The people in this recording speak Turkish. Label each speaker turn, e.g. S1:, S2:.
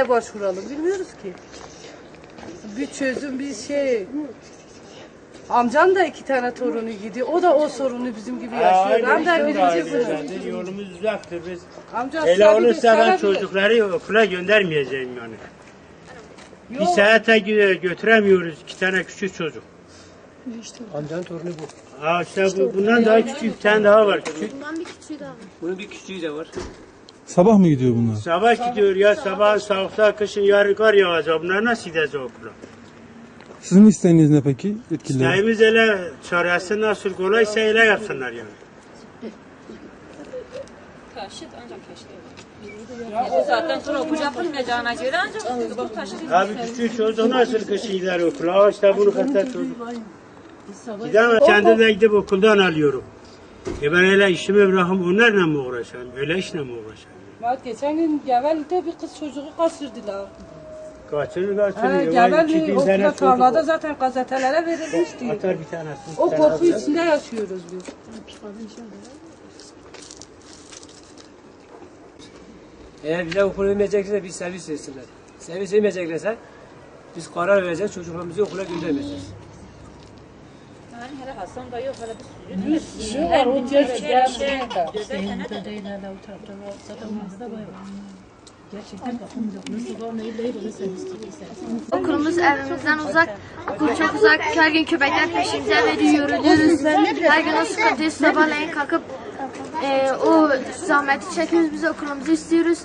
S1: neye başvuralım bilmiyoruz ki. Bir çözüm bir şey. Amcam da 2 tane torunu gidiyor. O da o sorunu bizim gibi yaşıyor. Ben de birinci sınıf.
S2: Yolumuz uzaktır biz.
S1: Amca
S2: Öyle
S1: sabi
S2: olursa ben
S1: gösterebilir.
S2: çocukları okula göndermeyeceğim yani. Bir
S1: Yok.
S2: saate götüremiyoruz 2 tane küçük çocuk.
S3: Amcanın torunu bu.
S2: İşte bundan daha küçük bir tane daha var küçük.
S4: Bundan bir küçüğü daha var.
S3: Bunun bir küçüğü de var.
S5: Sabah mı gidiyor bunlar?
S2: Sabah gidiyor ya sabah soğukta kışın yarın kar yağacak. Bunlar nasıl gidecek okula?
S5: Sizin isteğiniz ne peki yetkililer?
S2: İsteğimiz öyle çaresi nasıl kolaysa öyle yapsınlar yani.
S6: Taşıt ancak taşıt. Bu saatten sonra okul yapılmayacağına göre ancak bu taşıt.
S2: Abi küçük çocuk nasıl kışın gider okula? İşte bunu kadar çocuk. Gidemem. Kendim de gidip okuldan alıyorum. Ben öyle işimi bırakıp onlarla mı uğraşayım? Öyle işle mi uğraşayım?
S1: Bak geçen gün Geveli'de bir kız çocuğu kaçırdılar.
S2: Kaçırır.
S1: Geveli okula tarlada zaten gazetelere verilmişti.
S2: Atar bir tanesi.
S1: O korku içinde yaşıyoruz biz.
S3: Eğer bize okul vermeyecekse bir servis versinler. Servis vermeyeceklerse biz karar vereceğiz, çocuklarımızı okula göndermeyeceğiz.
S6: Yani hele Hasan da yok hele bir sürü.
S1: Ne var o cezbe
S4: Okulumuz evimizden uzak. Okul çok uzak. Her gün köpekler peşimize veriyor, yoruluyoruz. Her gün o sıkıntıyı sabahleyin kalkıp o zahmeti çekiyoruz. Biz okulumuzu istiyoruz.